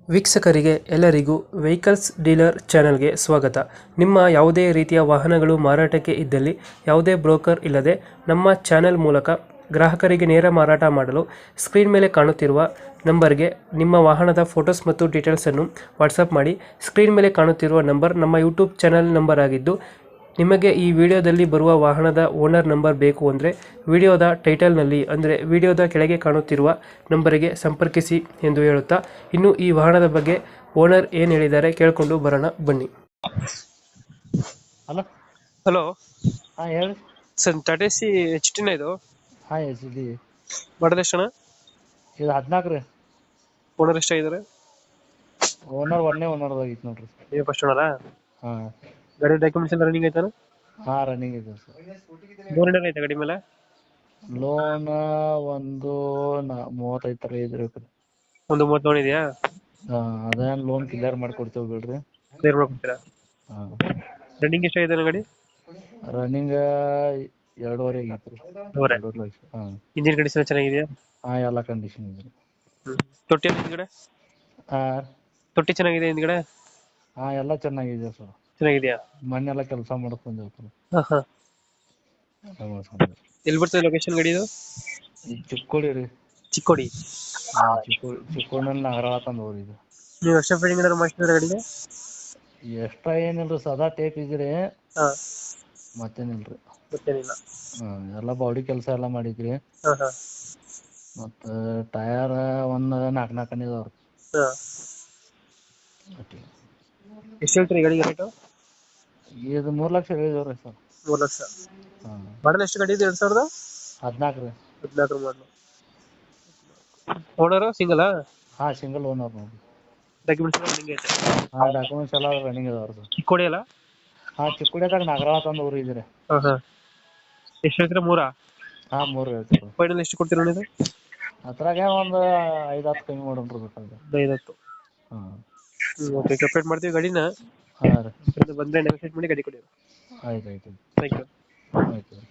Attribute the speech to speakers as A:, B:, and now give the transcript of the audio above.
A: ವೀಕ್ಷಕರಿಗೆ ಎಲ್ಲರಿಗೂ vehicles dealer ಚಾನೆಲ್ಗೆ ಸ್ವಾಗತ. ನಿಮ್ಮ ಯಾವುದೇ ರೀತಿಯ ವಾಹನಗಳು ಮಾರಾಟಕ್ಕೆ ಇದ್ದಲ್ಲಿ ಯಾವುದೇ ಬ್ರೋಕರ್ ಇಲ್ಲದೆ ನಮ್ಮ ಚಾನೆಲ್ ಮೂಲಕ ಗ್ರಾಹಕರಿಗೆ ನೇರ ಮಾರಾಟ ಮಾಡಲು ಸ್ಕ್ರೀನ್ ಮೇಲೆ ಕಾಣುತ್ತಿರುವ ನಂಬರ್ಗೆ ನಿಮ್ಮ ವಾಹನದ ಫೋಟೋಸ್ ಮತ್ತು ಡೀಟೇಲ್ಸನ್ನು ವಾಟ್ಸಪ್ ಮಾಡಿ. ಸ್ಕ್ರೀನ್ ಮೇಲೆ ಕಾಣುತ್ತಿರುವ ನಂಬರ್ ನಮ್ಮ ಯೂಟ್ಯೂಬ್ ಚಾನೆಲ್ ನಂಬರ್ ಆಗಿದ್ದು, ನಿಮಗೆ ಈ ವಿಡಿಯೋದಲ್ಲಿ ಬರುವ ವಾಹನದ ಓನರ್ ನಂಬರ್ ಬೇಕು ಅಂದರೆ ವಿಡಿಯೋದ ಟೈಟಲ್ನಲ್ಲಿ ಅಂದರೆ ವಿಡಿಯೋದ ಕೆಳಗೆ ಕಾಣುತ್ತಿರುವ ನಂಬರಿಗೆ ಸಂಪರ್ಕಿಸಿ ಎಂದು ಹೇಳುತ್ತಾ, ಇನ್ನು ಈ ವಾಹನದ ಬಗ್ಗೆ ಓನರ್ ಏನು ಹೇಳಿದ್ದಾರೆ ಕೇಳಿಕೊಂಡು ಬರೋಣ ಬನ್ನಿ.
B: ಹಲೋ.
A: ಹಲೋ
B: ಹಾಂ ಹೇಳಿ.
A: ಸರ್, ಟಾಟಾ ಸಿ ಎಚ್ ಟಿನ ಇದು
B: ಹಾಂ ಎಸ್ ಡಿ
A: ಮಾಡಲ್ ಎಷ್ಟಣ್ಣ?
B: ಇದು 14 ರೀ.
A: ಓನರ್ ಎಷ್ಟಾಗಿದ್ದಾರೆ?
B: ಒಂದೇ ಓನರ್ದಾಗಿತ್ತು ನೋಡ್ರಿ.
A: ನೀವು ಫಸ್ಟ್ ಓನರಾ?
B: ಹಾಂ.
A: ಗಾಡಿ ಡಾಕ್ಯುಮೆಂಟ್ಸ್ ಎಲ್ಲ ರನ್ನಿಂಗ್ ಆಯ್ತಾನ?
B: ಹಾಂ ರನ್ನಿಂಗ್ ಇದೆ ಸರ್.
A: ಲೋನ್ ಏನಾರ ಐತೆ ಗಾಡಿ ಮೇಲೆ?
B: ಲೋನ್ ಒಂದು 35 ರೀ.
A: ಒಂದು 30 ಲೋನ್ ಇದೆಯಾ?
B: ಹಾಂ ಅದೇನು ಲೋನ್ ಕ್ಲಿಯರ್ ಮಾಡಿಕೊಡ್ತೀವಿ ಬಿಡ್ರಿ.
A: ಕ್ಲಿಯರ್ ಮಾಡ್ಕೊಡ್ತೀರಾ?
B: ಹಾಂ.
A: ರನ್ನಿಂಗ್ ಎಷ್ಟಾಗಿದೆ ಗಾಡಿ?
B: ರನ್ನಿಂಗ್ 2.5 ಆಗೈತೆ ರೀ. 2.5 ಲಕ್ಷ. ಹಾಂ.
A: ಇಂಜಿನ್ ಕಂಡೀಷನ್ ಚೆನ್ನಾಗಿದೆಯಾ?
B: ಹಾಂ ಎಲ್ಲ ಕಂಡೀಷನ್ ಇದೆ ರೀ.
A: ತೊಟ್ಟಿ ಎಲ್ಲ ಹಿಂದ್ಗಡೆ?
B: ಹಾಂ.
A: ತೊಟ್ಟಿ ಚೆನ್ನಾಗಿದೆ ಹಿಂದ್ಗಡೆ?
B: ಹಾಂ ಎಲ್ಲ ಚೆನ್ನಾಗಿದೆ ಸರ್.
A: ಚೆನ್ನಾಗಿದೆಯಾ?
B: ಮನೆಲ್ಲ ಕೆಲಸ ಮಾಡ್ಕೊಂಡೇವು ಸರ್.
A: ಹಾಂ ಹಾಂ.
B: ಎಲ್ಲ ಮಾಡ್ಕೊಂಡೇವು.
A: ಎಲ್ಲಿ ಬರ್ತದೆ ಲೊಕೇಶನ್ ಗಾಡಿ ಇದು?
B: ಈ ಚಿಕ್ಕೋಡಿ ರೀ.
A: ಚಿಕ್ಕೋಡಿ?
B: ಹಾಂ ಚಿಕ್ಕೋಡಿನಲ್ಲಿ ನಗರ ತಂದು ಇದು.
A: ನೀವು ಎಕ್ಸ್ಟ್ರಾ ಫಿಟ್ಟಿಂಗ್ ಏನಾದ್ರು ಮಾಡಿಸಿದ್ರೆ ಗಾಡಿಗೆ?
B: ಎಕ್ಸ್ಟ್ರಾ ಏನಿಲ್ರಿ, ಸದಾ ಟೇಪ್ ಇದ್ರಿ.
A: ಹಾಂ.
B: ಮತ್ತೇನಿಲ್ರಿ.
A: ಗೊತ್ತೇನಿಲ್ಲ.
B: ಹಾಂ ಎಲ್ಲ ಬಾಡಿ ಕೆಲಸ ಎಲ್ಲ ಮಾಡಿದ್ರಿ.
A: ಹಾಂ ಹಾಂ.
B: ಮತ್ತು ಟಯರ್ ಒಂದು 4 ಇದಾವ್ರಿ.
A: ಹಾಂ. ಎಷ್ಟು ಹೇಳ್ತೀರಿ ಗಾಡಿಗೆ ರೇಟು?
B: ಇದು 3 ಲಕ್ಷ ಹೇಳಿದೇವ್ರಿ ಸರ್.
A: 3 ಲಕ್ಷ.
B: ಹಾಂ.
A: ಮಾಡಲ್ ಎಷ್ಟು ಗಾಡಿ ಇದು? 2014
B: 14 ರೀ.
A: ಮಾಡಲು. ಓನರು ಸಿಂಗಲಾ?
B: ಹಾಂ ಸಿಂಗಲ್ ಓನರ್ ನೋಡಿ.
A: ಡಾಕ್ಯುಮೆಂಟ್ಸ್ ಎಲ್ಲ ರನ್ನಿಂಗ್ ಐತೆ?
B: ಹಾಂ ಡಾಕ್ಯುಮೆಂಟ್ಸ್ ಎಲ್ಲ ರನ್ನಿಂಗ್ ಇದಾವ್ರಿ ಸರ್.
A: ಚಿಕ್ಕೋಡಿ ಅಲ್ಲ?
B: ಹಾಂ ಚಿಕ್ಕೋಡಿಯಾಗ ನಗರ ತಂದು ಊರು ಇದ್ರಿ.
A: ಹಾಂ ಹಾಂ. ಎಷ್ಟು ಹೇಳ್ತೀರಾ? 3?
B: ಹಾಂ 3 ಹೇಳ್ತೀವಿ.
A: ಫೈನಲ್ ಎಷ್ಟು ಕೊಡ್ತೀರಾ ಇದು?
B: ಅದ್ರಾಗೆ ಒಂದು 5-10 ಕಮ್ಮಿ ಮಾಡೋಣ್ರಿ ಬೇಕಾದ್ರೆ.
A: 5-10.
B: ಹಾಂ.
A: ಓಕೆ, ಕಂಪ್ಲೀಟ್ ಮಾಡ್ತೀವಿ ಗಾಡಿನ.
B: ಹಾಂ ರೀ.
A: ಬಂದರೆ ನೆಗೋಷಿಯೇಟ್ ಮಾಡಿ ಗಾಡಿ ಕೊಡಿ.
B: ಆಯ್ತು ಆಯ್ತು.
A: Thank you.
B: ಆಯ್ತು.